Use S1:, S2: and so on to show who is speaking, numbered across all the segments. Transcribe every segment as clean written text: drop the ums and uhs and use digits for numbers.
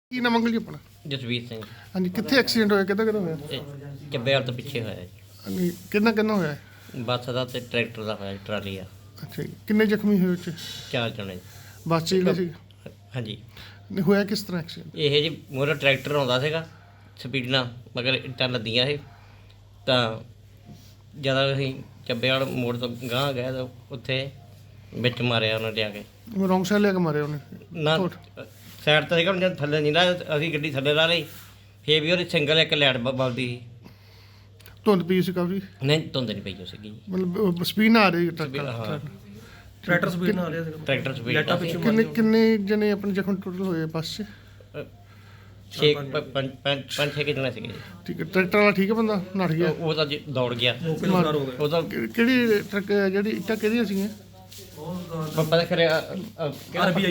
S1: ਕੀ ਨਾਮ ਅੰਕਲ ਜੀ ਆਪਣਾ?
S2: ਜਸਵੀਰ ਸਿੰਘ।
S1: ਹਾਂਜੀ, ਕਿੱਥੇ ਐਕਸੀਡੈਂਟ ਹੋਇਆ? ਕਿੱਦਾਂ ਹੋਇਆ?
S2: ਇਹ ਚੱਬੇਵਾਲ ਤੋਂ ਪਿੱਛੇ ਹੋਇਆ ਜੀ।
S1: ਹਾਂਜੀ, ਕਿੰਨਾ ਹੋਇਆ?
S2: ਬੱਸ ਦਾ ਤੇ ਟਰੈਕਟਰ ਦਾ ਹੋਇਆ ਜੀ, ਟਰਾਲੀ ਆ।
S1: ਅੱਛਾ ਜੀ, ਕਿੰਨੇ ਜ਼ਖਮੀ ਹੋਏ ਉੱਚ?
S2: 4 ਜਣੇ।
S1: ਬੱਸ 'ਚ ਜਿਹੜੇ ਸੀ?
S2: ਹਾਂਜੀ।
S1: ਨਹੀਂ, ਹੋਇਆ ਕਿਸ ਤਰ੍ਹਾਂ ਐਕਸੀਡੈਂਟ?
S2: ਇਹ ਜੀ ਮੋਰਾ ਟਰੈਕਟਰ ਆਉਂਦਾ ਸੀਗਾ ਸਪੀਡ ਨਾਲ, ਮਗਰ ਇੱਟਾਂ ਲੱਦੀਆਂ ਇਹ ਤਾਂ ਜਦੋਂ ਅਸੀਂ ਚੱਬੇਵਾਲ ਮੋੜ ਤੋਂ ਗਾਂਹ ਗਏ ਤਾਂ ਉੱਥੇ ਵਿੱਚ ਮਾਰਿਆ ਉਹਨਾਂ ਨੇ ਆ ਕੇ।
S1: ਰੌਂਗ ਸਾਈਡ ਲੈ ਕੇ ਮਾਰਿਆ ਉਹਨੇ?
S2: ਨਾ ਸਾਈਡ ਤਾਂ ਸੀਗਾ, ਜਦ ਥੱਲੇ ਨਹੀਂ ਨਾ ਅਸੀਂ ਗੱਡੀ ਥੱਲੇ ਲਾ ਲਈ, ਫੇਰ ਵੀ ਉਹਦੀ ਸਿੰਗਲ ਇੱਕ ਲਾਈਟ ਬਲਦੀ ਸੀ।
S1: ਧੁੰਦ ਪਈ ਸੀ ਕਾਫੀ?
S2: ਨਹੀਂ, ਧੁੰਦ ਨਹੀਂ ਪਈ ਉਹ ਸੀਗੀ ਜੀ।
S1: ਮਤਲਬ ਸਪੀਡ ਨਾਲ ਆ ਰਹੀ
S3: ਟਰੈਕਟਰ ਸਪੀਡ ਨਾਲ ਆ ਰਿਹਾ ਸੀਗਾ।
S2: ਟਰੈਕਟਰ ਸਪੀਡ
S1: ਕਿੰਨੇ ਜਣੇ ਆਪਣੇ ਜ਼ਖਮ ਟੋਟਲ ਹੋਏ ਬੱਸ 'ਚ?
S2: 5-6 ਜਣੇ ਸੀਗੇ ਜੀ।
S1: ਠੀਕ ਹੈ, ਟਰੈਕਟਰ ਵਾਲਾ ਠੀਕ ਹੈ, ਬੰਦਾ ਨੱਠ ਗਿਆ?
S2: ਉਹ ਤਾਂ ਜੀ ਦੌੜ ਗਿਆ।
S3: ਮੌਕੇ ਤੋਂ ਫਰਾਰ ਹੋ ਗਿਆ।
S2: ਉਹ ਤਾਂ
S1: ਕਿਹੜੀ ਟਰੱਕ ਜਿਹੜੀ ਇੱਟਾਂ ਕਿਹਦੀਆਂ ਸੀਗੀਆਂ?
S2: ਪਤਾ ਕਰਿਆ
S3: ਆਰਬੀਆਈ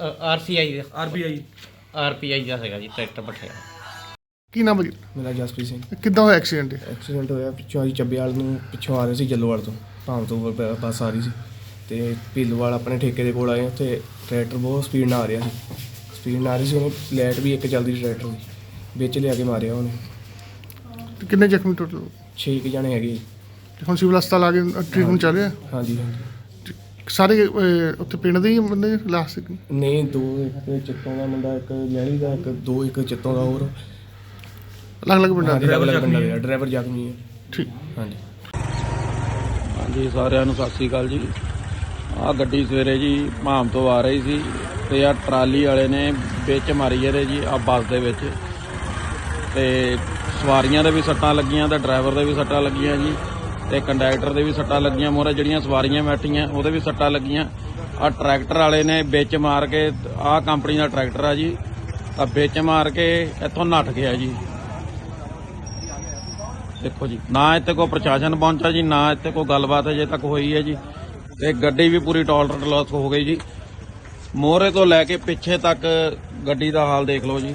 S2: ਆਰਪੀਆਈ ਦਾ ਹੈਗਾ ਜੀ ਟਰੈਕਟਰ ਪੱਠਿਆ।
S1: ਕੀ ਨਾਮ ਹੈ ਜੀ?
S4: ਮੇਰਾ ਜਸਪ੍ਰੀਤ ਸਿੰਘ।
S1: ਕਿੱਦਾਂ ਹੋਇਆ ਐਕਸੀਡੈਂਟ?
S4: ਐਕਸੀਡੈਂਟ ਹੋਇਆ ਪਿੱਛੋਂ ਅਸੀਂ ਚੱਬੇਵਾਲ ਨੂੰ ਪਿੱਛੋਂ ਆ ਰਹੇ ਸੀ, ਜੱਲੋਵਾਲ ਤੋਂ ਭਾਮ ਤੋਂ ਬੱਸ ਆ ਰਹੀ ਸੀ ਅਤੇ ਭੀਲੋਵਾਲ ਆਪਣੇ ਠੇਕੇ ਦੇ ਕੋਲ ਆਏ। ਉੱਥੇ ਟਰੈਕਟਰ ਬਹੁਤ ਸਪੀਡ ਨਾਲ ਆ ਰਿਹਾ ਸੀ, ਉਹਨੇ ਲਾਈਟ ਵੀ ਇੱਕ ਚੱਲਦੀ ਸੀ ਟਰੈਕਟਰ ਦੀ, ਵਿੱਚ ਲਿਆ ਕੇ ਮਾਰਿਆ ਉਹਨੇ।
S1: ਕਿੰਨੇ ਜ਼ਖਮੀ ਟੋਟਲ?
S4: 6 ਜਣੇ ਹੈਗੇ।
S1: ਹੁਣ ਸਿਵਲ ਹਸਪਤਾਲ ਆ ਕੇ ਟ੍ਰੀਟਮੈਂਟ ਚੱਲ ਰਿਹਾ?
S4: ਹਾਂਜੀ।
S1: ਸਾਰੇ ਉੱਥੇ ਪਿੰਡ ਦੇ ਹੀ ਬੰਦੇ ਲਾਸਟ?
S4: ਨਹੀਂ, 2 ਇੱਕ ਚਿੱਤੋਂ ਦਾ ਮੁੰਡਾ, ਇੱਕ ਲਹਿਰੀ ਦਾ, ਇੱਕ ਚਿੱਤੋਂ ਦਾ, ਹੋਰ
S1: ਅਲੱਗ ਪਿੰਡਾਂ ਦੇ?
S4: ਡਰਾਈਵਰ ਜ਼ਖਮੀ ਹੈ।
S1: ਠੀਕ।
S5: ਹਾਂਜੀ, ਸਾਰਿਆਂ ਨੂੰ ਸਤਿ ਸ੍ਰੀ ਅਕਾਲ ਜੀ। ਆਹ ਗੱਡੀ ਸਵੇਰੇ ਜੀ ਭਾਮ ਤੋਂ ਆ ਰਹੀ ਸੀ ਤੇ ਆਹ ਟਰਾਲੀ ਵਾਲੇ ਨੇ ਵਿੱਚ ਮਾਰੀ ਇਹਦੇ ਜੀ ਆ ਬੱਸ ਦੇ ਵਿੱਚ, ਤੇ ਸਵਾਰੀਆਂ ਦੇ ਵੀ ਸੱਟਾਂ ਲੱਗੀਆਂ ਤੇ ਡਰਾਈਵਰ ਦੇ ਵੀ ਸੱਟਾਂ ਲੱਗੀਆਂ ਜੀ, ਤੇ ਕੰਡਕਟਰ ਦੇ ਵੀ ਸੱਟਾਂ ਲੱਗੀਆਂ। ਮੋਰੇ ਜਿਹੜੀਆਂ ਸਵਾਰੀਆਂ ਬੈਠੀਆਂ ਉਹਦੇ ਵੀ ਸੱਟਾਂ ਲੱਗੀਆਂ। ਆਹ ਟਰੈਕਟਰ ਵਾਲੇ ਨੇ ਵਿੱਚ ਮਾਰ ਕੇ, ਆਹ ਕੰਪਨੀ ਦਾ ਟਰੈਕਟਰ ਆ ਜੀ, ਤਾਂ ਵਿੱਚ ਮਾਰ ਕੇ ਇੱਥੋਂ ਨੱਠ ਗਿਆ ਜੀ। ਦੇਖੋ ਜੀ, ਨਾ ਇੱਥੇ ਕੋਈ ਪ੍ਰਸ਼ਾਸਨ ਪਹੁੰਚਾ ਜੀ, ਨਾ ਇੱਥੇ ਕੋਈ ਗੱਲਬਾਤ ਅਜੇ ਤੱਕ ਹੋਈ ਹੈ ਜੀ, ਤੇ ਗੱਡੀ ਵੀ ਪੂਰੀ ਟੋਲਰੈਂਟ ਲਾਸ ਹੋ ਗਈ ਜੀ। ਮੋਹਰੇ ਤੋਂ ਲੈ ਕੇ ਪਿੱਛੇ ਤੱਕ ਗੱਡੀ ਦਾ ਹਾਲ ਦੇਖ ਲਓ ਜੀ।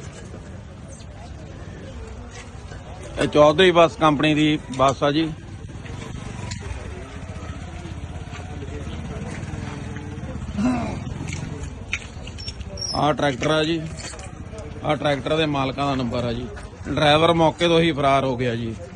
S5: ਇਹ ਚੌਧਰੀ ਬੱਸ ਕੰਪਨੀ ਦੀ ਬੱਸ ਆ ਜੀ। ਆਹ ਟਰੈਕਟਰ ਆ ਜੀ, ਆਹ ਟਰੈਕਟਰ ਦੇ ਮਾਲਕਾਂ ਦਾ ਨੰਬਰ ਆ ਜੀ। ਡਰਾਈਵਰ ਮੌਕੇ ਤੋਂ ਹੀ ਫਰਾਰ ਹੋ ਗਿਆ ਜੀ।